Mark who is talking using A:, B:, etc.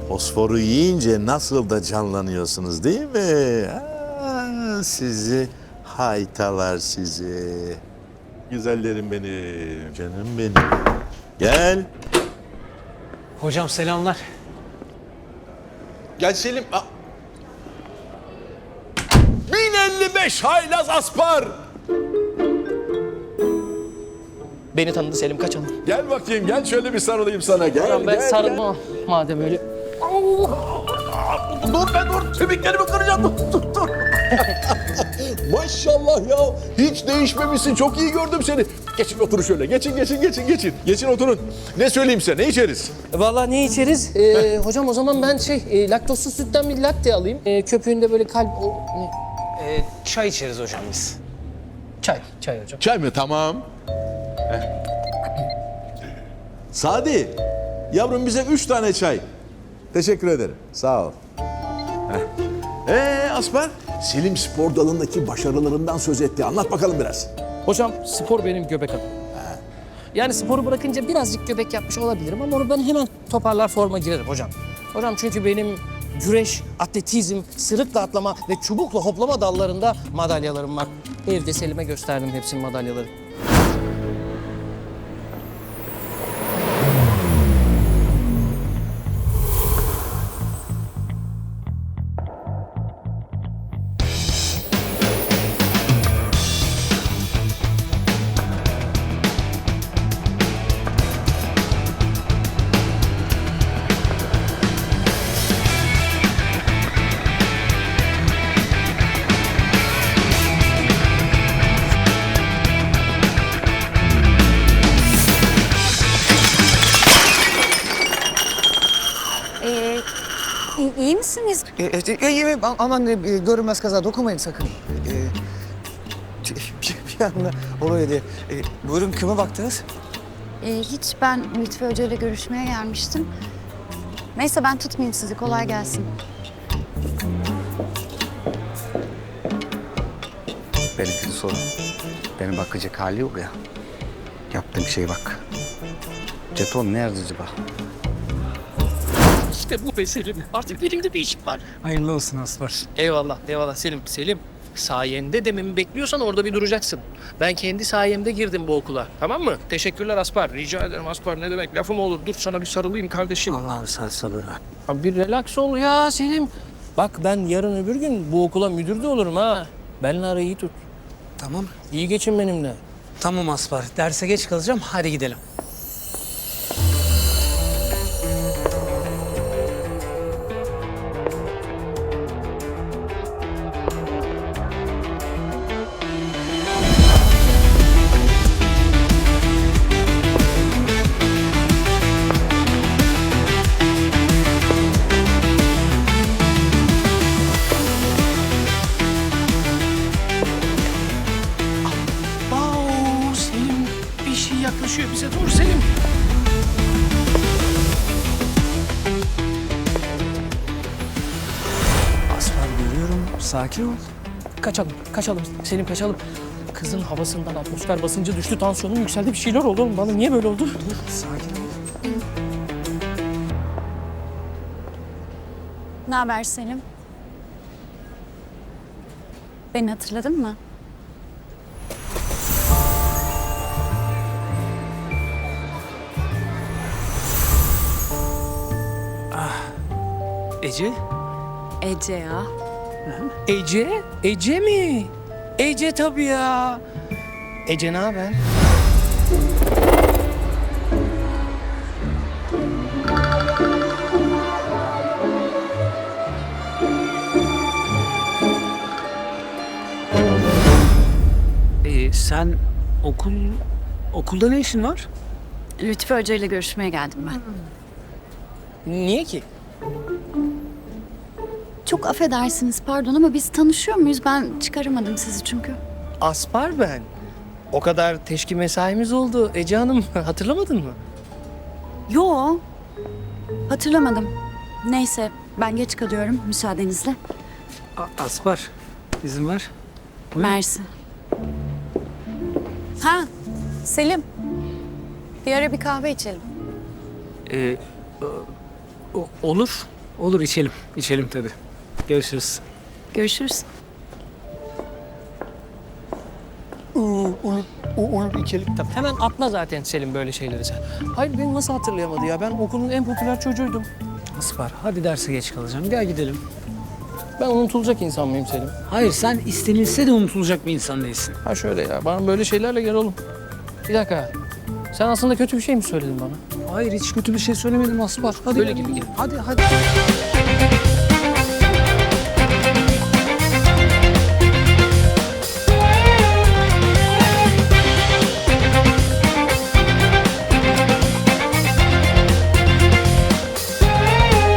A: Fosforu yiyince nasıl da canlanıyorsunuz değil mi? Sizi haytalar sizi. Güzellerim benim, canım benim. Gel.
B: Hocam selamlar.
A: Gel Selim. 1055 haylaz aspar.
B: Beni tanıdı Selim, kaçalım.
A: Gel bakayım, gel şöyle bir sarılayım sana. Gel,
B: Hocam ben
A: gel,
B: sarılma madem öyle.
A: Dur, kemiklerimi kıracağım. Dur. Maşallah ya, hiç değişmemişsin. Çok iyi gördüm seni. Geçin oturun şöyle. Geçin. Geçin oturun. Ne söyleyeyim size, ne içeriz?
B: Vallahi ne içeriz? Hocam o zaman ben laktozsuz sütten bir latte alayım. Köpüğünde böyle kalp... çay içeriz hocam biz. Çay hocam.
A: Çay mı? Tamam. Sadi, yavrum bize 3 tane çay. Teşekkür ederim. Sağ ol. Aspar, Selim spor dalındaki başarılarından söz etti. Anlat bakalım biraz.
B: Hocam spor benim göbek adım. Yani sporu bırakınca birazcık göbek yapmış olabilirim ama onu ben hemen toparlar forma girerim hocam. Hocam çünkü benim güreş, atletizm, sırıkla atlama ve çubukla hoplama dallarında madalyalarım var. Evde Selim'e gösterdim hepsinin madalyaları.
C: İyi misiniz?
D: İyi, aman görünmez kaza dokunmayın sakın. Bir anda oluyor diye. Buyurun kime baktınız?
C: Hiç ben Lütfü Hoca ile görüşmeye gelmiştim. Neyse ben tutmayayım sizi. Kolay gelsin.
D: Benimkini sorun. Benim bakacak hali yok ya. Yaptığım şeye bak. Jeton nerede acaba?
B: İşte bu be Selim. Artık elimde bir iş var.
D: Hayırlı olsun Aspar.
B: Eyvallah Selim. Selim, sayende dememi bekliyorsan orada bir duracaksın. Ben kendi sayemde girdim bu okula. Tamam mı? Teşekkürler Aspar. Rica ederim Aspar. Ne demek? Lafım olur. Dur sana bir sarılayım kardeşim.
D: Allah'ım sen sabır ver.
B: Abi bir relax ol ya Selim. Bak ben yarın öbür gün bu okula müdür de olurum ha. Benimle arayı iyi tut.
D: Tamam.
B: İyi geçin benimle.
D: Tamam Aspar. Derse geç kalacağım. Hadi gidelim.
B: Selim bir şey yaklaşıyor bize. Dur Selim.
D: Aspar görüyorum. Sakin ol.
B: Kaçalım. Selim kaçalım. Kızın havasından atmosfer basıncı düştü, tansiyonum yükseldi. Bir şeyler oldu oğlum. Bana niye böyle oldu?
D: Sakin ol.
C: Ne haber Selim? Beni hatırladın mı?
D: Ece?
C: Ece ya.
B: Ece? Ece mi? Ece tabii ya. Ece ne haber?
D: Sen okulda ne işin var?
C: Lütfü Hoca ile görüşmeye geldim ben.
B: Niye ki?
C: Çok affedersiniz pardon ama biz tanışıyor muyuz? Ben çıkaramadım sizi çünkü.
B: Aspar ben. O kadar teşki mesaimiz oldu Ece Hanım. Hatırlamadın mı?
C: Yo. Hatırlamadım. Neyse ben geç kalıyorum müsaadenizle.
D: Aspar, izin ver.
C: Mersi. Ha Selim. Bir ara bir kahve içelim.
B: Olur.
E: Olur içelim. İçelim tabii. Görüşürüz.
C: Görüşürüz.
B: Olur içelim tabii. Hemen atla zaten Selim böyle şeyleri sen. Hayır beni nasıl hatırlayamadı ya? Ben okulun en popüler çocuğuydum.
E: Aspar hadi derse geç kalacağım. Gel gidelim.
B: Ben unutulacak insan mıyım Selim?
E: Hayır sen istenilse de unutulacak bir insan değilsin.
B: Ha şöyle ya, bana böyle şeylerle gel oğlum. Bir dakika. Sen aslında kötü bir şey mi söyledin bana?
E: Hayır hiç kötü bir şey söylemedim Aspar. Hadi
B: Böyle
E: gel.
B: gibi.
E: Hadi hadi.